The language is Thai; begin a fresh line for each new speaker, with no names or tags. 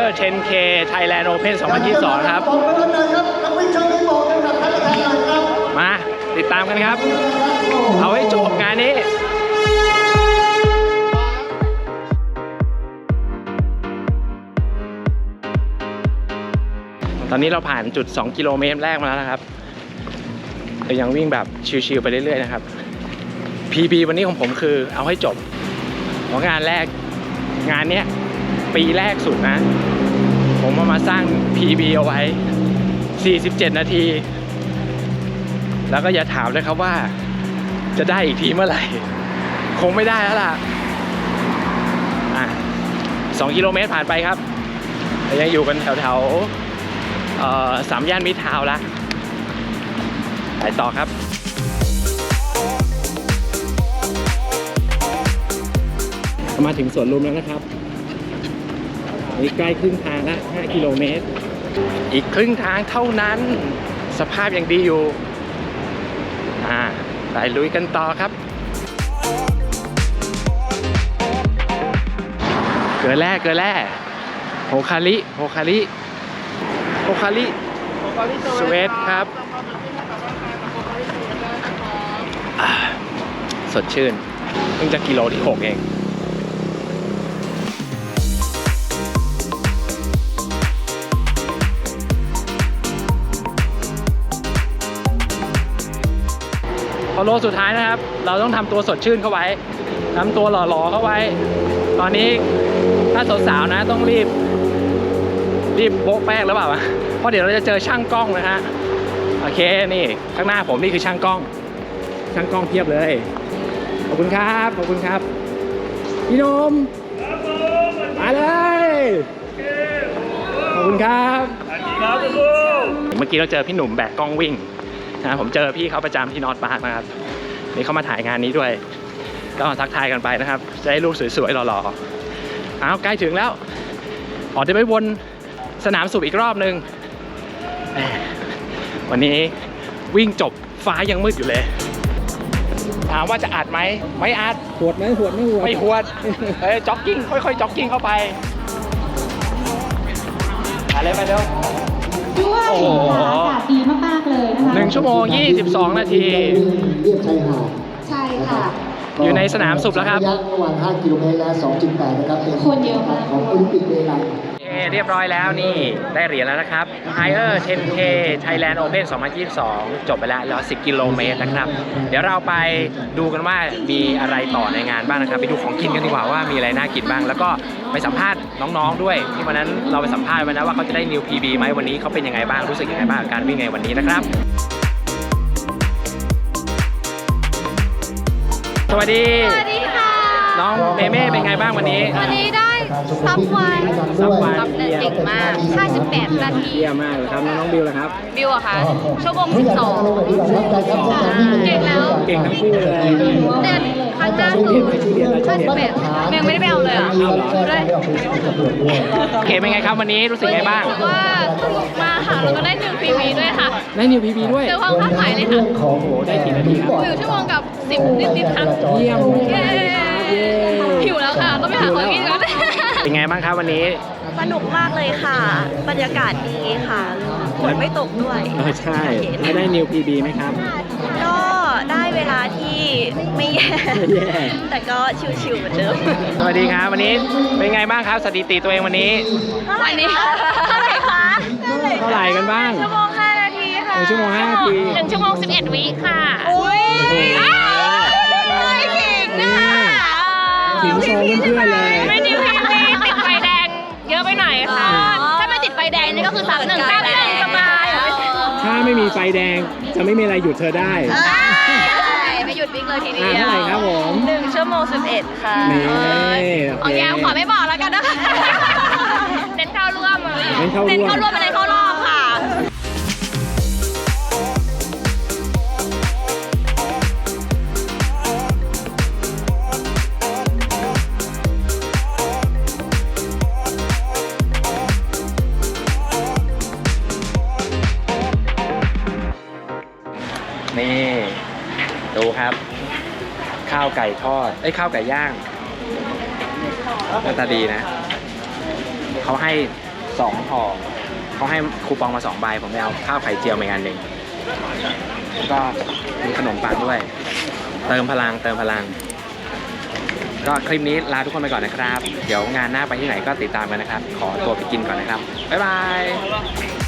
10K Thailand Open 2022 ครับมาติดตามกันครับเอาให้จบงานนี้ตอนนี้เราผ่านจุด2กิโลเมตรแรกมาแล้วนะครับแต่ยังวิ่งแบบชิวๆไปเรื่อยๆนะครับ PB วันนี้ของผมคือเอาให้จบเพราะงานแรกงานเนี้ยปีแรกสุดนะผมมาสร้าง PB เอาไว้47นาทีแล้วก็อย่าถามเลยครับว่าจะได้อีกทีเมื่อไหร่คงไม่ได้แล้วล่ะ2กิโลเมตรผ่านไปครับแต่ยังอยู่กันแถว3 ย่านมิตรทาวน์ละไปต่อครับมาถึงสวนลุมแล้วนะครับนี่ใกล้ครึ่งทางละ5กิโลเมตรอีกครึ่งทางเท่านั้นสภาพยังดีอยู่ไปลุยกันต่อครับเกลือแร่โฮคาริสเวทครับสดชื่นเพิ่งจะกิโลที่6เองพอโลสุดท้ายนะครับเราต้องทำตัวสดชื่นเข้าไว้ทำตัวหล่อๆเข้าไว้ตอนนี้ถ้าสาวๆนะต้องรีบโบ๊ะแป้งแล้วเปล่าเพราะเดี๋ยวเราจะเจอช่างกล้องนะฮะโอเคนี่ข้างหน้าผมนี่คือช่างกล้องเพียบเลยขอบคุณครับพี่นมมาเลยขอบคุณครับเมื่อกี้เราเจอพี่หนุ่มแบกกล้องวิ่งนะผมเจอพี่เขาประจำที่นอร์ทพาร์คนะครับนี่เขามาถ่ายงานนี้ด้วยก็ทักทายกันไปนะครับจะได้รูปสวยๆหล่อๆใกล้ถึงแล้วเดี๋ยวไปวนสนามสูบอีกรอบนึงวันนี้วิ่งจบฟ้ายังมืดอยู่เลยถามว่าจะอัดไหมไม่อัดหวดไม่หวดจ็อกกิ้งค่อยๆจ็อกกิ้งเข้าไปอะไรไปเร็ว
ด้วยอากาศดีมากๆเลยนะคะ
1 ชั่วโมง 22 นาที
เรียบชายหาด
ใช่ค่ะ
อยู่ในสนามสุบแล้วครับ
ระยะระหว่าง5 กิโลเมตรและ 2.8 นะครับเป็น
คนเยอะมาก
ของโอลิมปิกเวลา
เรียบร้อยแล้วนี่ได้เหรียญแล้วนะครับ Higher 10K Thailand Open 2022 จบไปแล้ว10 กิโลเมตรนะครับเดี๋ยวเราไปดูกันว่ามีอะไรต่อในงานบ้างนะครับไปดูของกินกันดีกว่าว่ามีอะไรน่ากินบ้างแล้วก็ไปสัมภาษณ์น้องๆด้วยที่วันนั้นเราไปสัมภาษณ์มานะว่าเขาจะได้ New PB ไหมวันนี้เขาเป็นยังไงบ้างรู้สึกยังไงบ้างการวิ่งในวันนี้นะครับสวัสดี
ค่ะ
น้องเมเม่เป็นไงบ้างวันนี้
ได้ซับไวเก่งมาก58 นาที
เยี่ยมมากเลยครับน้องบิวล่ะครับ
บิวอะคะชั่วโมง12เก่งแล้ว
เก่งทั้งคู่เลย
เดือนครั้งหน้าคือ58ยังไม่ได้ไปเอาเลยอ่ะเลย
โอเคเป็นไงครับวันนี้รู้สึกไงบ้าง
ว่าสนุกมากค่ะแล้วก็ได้1 PB ด้วยค่ะ
ได้1 PB ด้วย
เจอความคาดหมายเลยค่ะ
โอ้โหได้กี่นาทีครับ
1 ชั่วโมงกับ10 นิดๆค่ะ
เยี่ยม
หิวแล้วค่ะต้องไปหาของกินก่อน
เป็นไงบ้างครับวันนี้
สนุกมากเลยค่ะบรรยากาศดีค่ะฝนไม่ตกด้วย
ใช่แล้วได้ New PB ไหมครับ
ก็ได้เวลาที่ไม่แย่แต่ก็ชิวๆเหมือนเดิม
สวัสดีครับวันนี้เป็นไงบ้างครับสถิติตัวเองวันนี้
วันนี้เท่าไหร่คะ
เท่าไหร่กันบ้าง
1 ชั่วโมง 5 นาทีค่ะ
1 ชั่วโมง 5 นาที
1 ชั่วโมง 11 วิค่ะอุ้ย
ขิงโชว์เพื่อนๆเลย
ไม่ดีพี่ติดไฟแดงเยอะไปหน่อยค่ะถ้าไม่ติดไฟแดงนี่ก็คือ31สบาย
ถ้าไม่มีไฟแดงจะไม่มีอะไรหยุดเธอได้
ไม่หยุดวิ่งเลยทีเดียว
เท่าไหร่ครับผม
1 ชั่วโมง 11 ค่ะ
นี่
โอเคขอไม่บอกแล้วกันนะคะเน้นเข้าร่วมอะไรเข้ารอบค่ะ
นี่ดูครับข้าวไก่ทอดข้าวไก่ย่างหน้าตาดีนะเขาให้ 2 ห่อเขาให้คูปองมา2 ใบผมได้เอาข้าวไข่เจียวมาอีกอันหนึ่งแล้วก็มีขนมปังด้วยเติมพลังก็คลิปนี้ลาทุกคนไปก่อนนะครับเดี๋ยวงานหน้าไปที่ไหนก็ติดตามกันนะครับขอตัวไปกินก่อนนะครับบ๊ายบาย